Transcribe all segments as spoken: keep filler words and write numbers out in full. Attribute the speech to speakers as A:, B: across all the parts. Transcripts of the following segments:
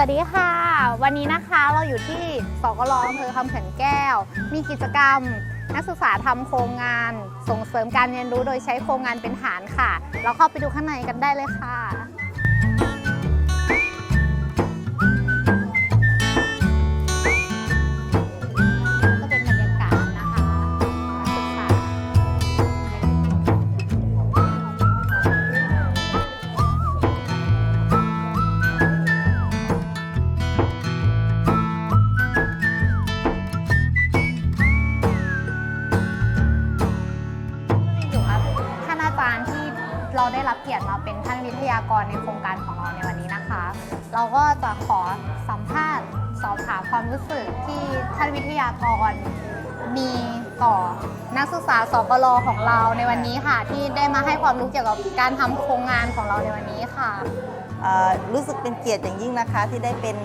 A: วัสดีค่ะวันนี้นะคะเราอยู่ที่สกลอำเภอคำเขื่อนแก้วมีกิจกรรมนักศึกษาทำโครงงานส่งเสริมการเรียนรู้โดยใช้โครงงานเป็นฐานค่ะเราเข้าไปดูข้างในกันได้เลยค่ะก็เป็นบรรยากาศนะคะนักศึกษาเราได้รับเกียรติมาเป็นท่านวิทยากรในโครงการของเราในวันนี้นะคะเราก็จะขอสัมภาษณ์สอบถามความรู้สึกที่ท่านวิทยากรมีต่อนักศึกษาสกลของเราในวันนี้ค่ะที่ได้มาให้ความรู้เกี่ยวกับการทำโครงงานของเราในวันนี้ค่ะ
B: รู้สึกเป็นเกียรติอย่างยิ่งนะคะที่ได้เป็น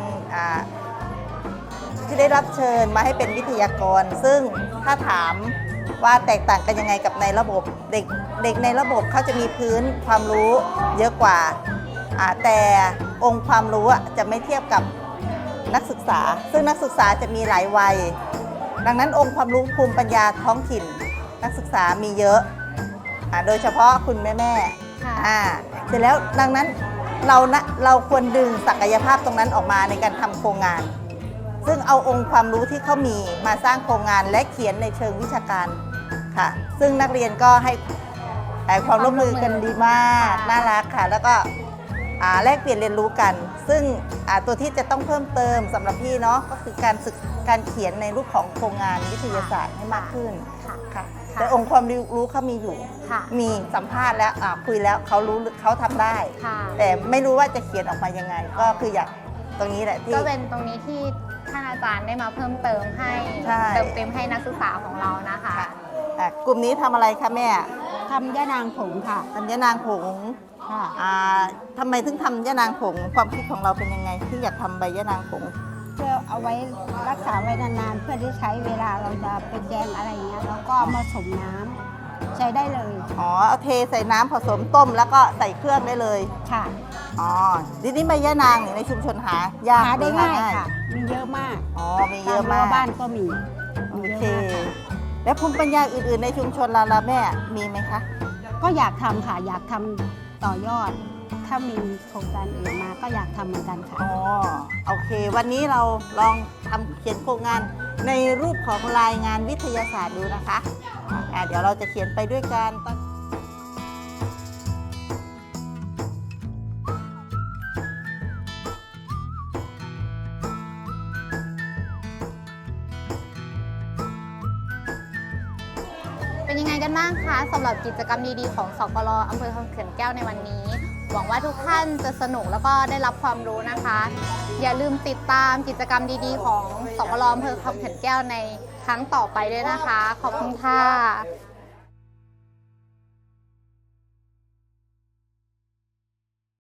B: ที่ได้รับเชิญมาให้เป็นวิทยากรซึ่งถ้าถามว่าแตกต่างกันยังไงกับในระบบเด็กเด็กในระบบเขาจะมีพื้นความรู้เยอะกว่าแต่องค์ความรู้จะไม่เทียบกับนักศึกษาซึ่งนักศึกษาจะมีหลายวัยดังนั้นองค์ความรู้ภูมิปัญญาท้องถิ่นนักศึกษามีเยอะโดยเฉพาะคุณแม่แม่เสร็จแล้วดังนั้นเรานะเราควรดึงศักยภาพตรงนั้นออกมาในการทำโครงงานซึ่งเอาองค์ความรู้ที่เขามีมาสร้างโครงงานและเขียนในเชิงวิชาการค่ะซึ่งนักเรียนก็ให้ความร่วมมือกันดีมากน่ารักค่ะแล้วก็แลกเปลี่ยนเรียนรู้กันซึ่งตัวที่จะต้องเพิ่มเติมสำหรับพี่เนาะก็คือการศึกการเขียนในรูปของโครงงานวิทยาศาสตร์ให้มากขึ้นค่ะแต่องค์ความรู้เขามีอยู่มีสัมภาษณ์แล้วคุยแล้วเขารู้เขาทำได้แต่ไม่รู้ว่าจะเขียนออกมายังไงก็คืออยากตรงนี้แหละที่
A: ก็เป็นตรงนี้ที่ท่านอาจารย์ได้มาเพิ่มเติมให้เติมเต็มให้นักศึกษาของเรานะคะ
B: กลุ่มนี้ทำอะไรคะแม่
C: ทำย่านางผงค่ะ
B: ทำย่านางผงค่ะทำไมถึงทำย่านางผงความคิดของเราเป็นยังไงที่อยากทำใบย่านางผง
C: เพื่อเอาไว้รักษาไว้นานๆเพื่อที่ใช้เวลาเราจะเป็นแยมอะไรอย่างเงี้ยแล้วก็มาผสมน้ำใช้ได้เลย
B: อ๋อเอาเทใส่น้ำผสมต้มแล้วก็ใส่เครื่องได้เลย
C: ค่ะ
B: อ๋อทีนี้ใบย่านางในชุมชนหายาก
C: หาได้ง่ายค่ะมีเยอะมาก
B: อ๋อมีเยอะมาก
C: บ้านก็มี
B: โอเคแล้วภูมิปัญญาอื่นๆในชุมชนเราละแม่มีไหมคะ
C: ก็อยากทำค่ะอยากทำต่อยอดถ้ามีโครงการอื่นมาก็อยากทำเหมือนกันค่ะ
B: อ๋อโอเควันนี้เราลองทำเขียนโครงงานในรูปของรายงานวิทยาศาสตร์ดูนะคะอ่าเดี๋ยวเราจะเขียนไปด้วยกัน
A: เป็นยังไงกันบ้างคะสำหรับกิจกรรมดีๆของสกลอำเภอคำเขื่อนแก้วในวันนี้หวังว่าทุกท่านจะสนุกแล้วก็ได้รับความรู้นะคะอย่าลืมติดตามกิจกรรมดีๆของสกลอำเภอคำเขื่อนแก้วในครั้งต่อไปด้วยนะคะขอบคุณค่ะ